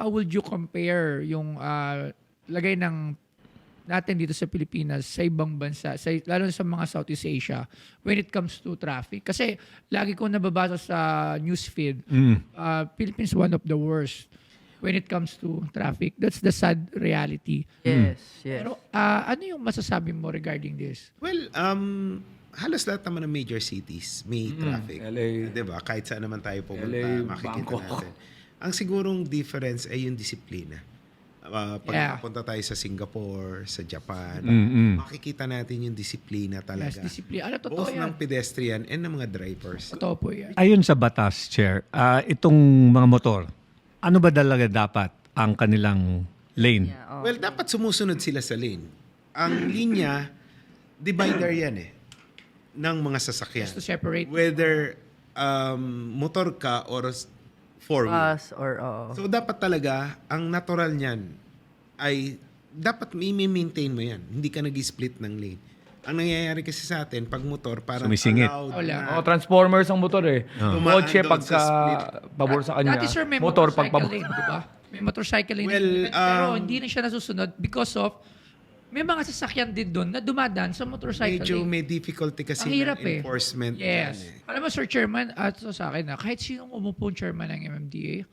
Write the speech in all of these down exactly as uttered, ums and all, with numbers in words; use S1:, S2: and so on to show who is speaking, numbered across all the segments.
S1: how would you compare yung ah, lagay ng natin dito sa Pilipinas sa ibang bansa, sa, lalo na sa mga Southeast Asia, when it comes to traffic? Kasi lagi ko nababasa sa newsfeed,
S2: Mm.
S1: uh, Philippines one of the worst when it comes to traffic. That's the sad reality.
S3: Yes, yes.
S1: Pero ah, ano yung masasabi mo regarding this?
S4: Well, um, halos lahat naman ng major cities may traffic.
S2: L A.
S4: Di ba? Kahit saan naman tayo pumunta,
S2: L A,
S4: makikita
S2: Bangkok.
S4: natin. Ang sigurong difference ay yung disiplina. Uh, pag
S1: Yeah.
S4: punta tayo sa Singapore, sa Japan,
S2: Mm-mm.
S4: makikita natin yung disiplina
S1: Yes,
S4: talaga.
S1: discipline. Ano, totoo
S4: Both
S1: yan.
S4: ng pedestrian and ng mga drivers.
S1: Totoo po yan.
S2: Ayon sa batas, Chair, ah, itong mga motor, ano ba talaga dapat ang kanilang lane?
S3: Yeah, oh.
S4: Well, dapat sumusunod sila sa lane. Ang linya, divider yan eh, ng mga sasakyan.
S1: Just to separate.
S4: Whether um, motor ka or four-wheel.
S3: Bus or, oo.
S4: So, dapat talaga, ang natural niyan ay dapat i-maintain mo yan. Hindi ka nag-split ng lane. Ang nangyayari kasi sa atin, pag motor, parang
S2: Sumisingit.
S4: allowed
S1: Wala.
S4: na.
S5: Oh, Transformers ang motor eh.
S4: Dumaan
S5: Kotse
S4: doon
S5: pagka
S4: sa split.
S5: pabor sa kanya.
S1: Dati sir, may
S5: motor
S1: motorcycle
S5: pag pabor.
S1: lane, di ba? May motorcycle lane.
S4: Well,
S1: pero
S4: um,
S1: hindi na siya nasusunod because of may mga sasakyan din doon na dumadaan sa motorcycle
S4: Medyo
S1: lane.
S4: may difficulty kasi
S1: Ang hirap
S4: ng
S1: eh.
S4: enforcement.
S1: Yes.
S4: yan eh.
S1: Alam mo, Sir Chairman, at so sa akin na, kahit sinong umupong chairman ng M M D A,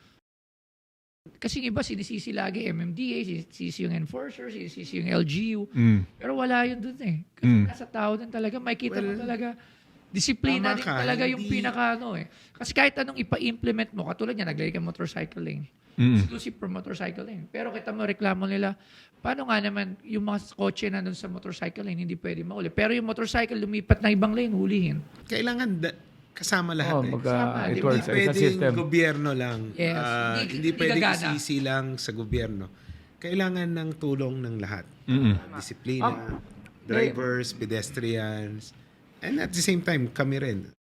S1: kasi yung iba, sinisisi lagi M M D A, sinisisi yung enforcer, sinisisi yung L G U.
S2: Mm.
S1: Pero wala yun dun eh. Kasi
S2: Mm.
S1: nasa tao din talaga, makikita mo
S4: Well,
S1: talaga, disiplina
S4: tama
S1: din
S4: ka,
S1: talaga yung
S4: hindi-
S1: pinaka ano eh. Kasi kahit anong ipa-implement mo, katulad niya, naglagay ka motorcycle lane.
S2: Mm.
S1: Exclusive for motorcycle lane. Pero kita mo, reklamo nila, paano nga naman yung mga kotse na dun sa motorcycle lane, hindi pwede mauli. Pero yung motorcycle lumipat na ibang lane, hulihin.
S4: Kailangan da- kasama lahat
S5: Oh,
S4: eh.
S5: mag,
S1: Kasama,
S5: uh,
S1: di
S5: it
S1: ba?
S5: works.
S4: Hindi
S5: It's a
S4: pwedeng
S5: system.
S4: gobyerno lang.
S1: Yes.
S4: Ah,
S1: Hindi-
S4: hindi
S1: hindi
S4: pwedeng
S1: gagana.
S4: isisi lang sa gobyerno. Kailangan ng tulong ng lahat.
S2: Mm-mm.
S4: Disiplina, drivers, pedestrians, and at the same time, kami rin.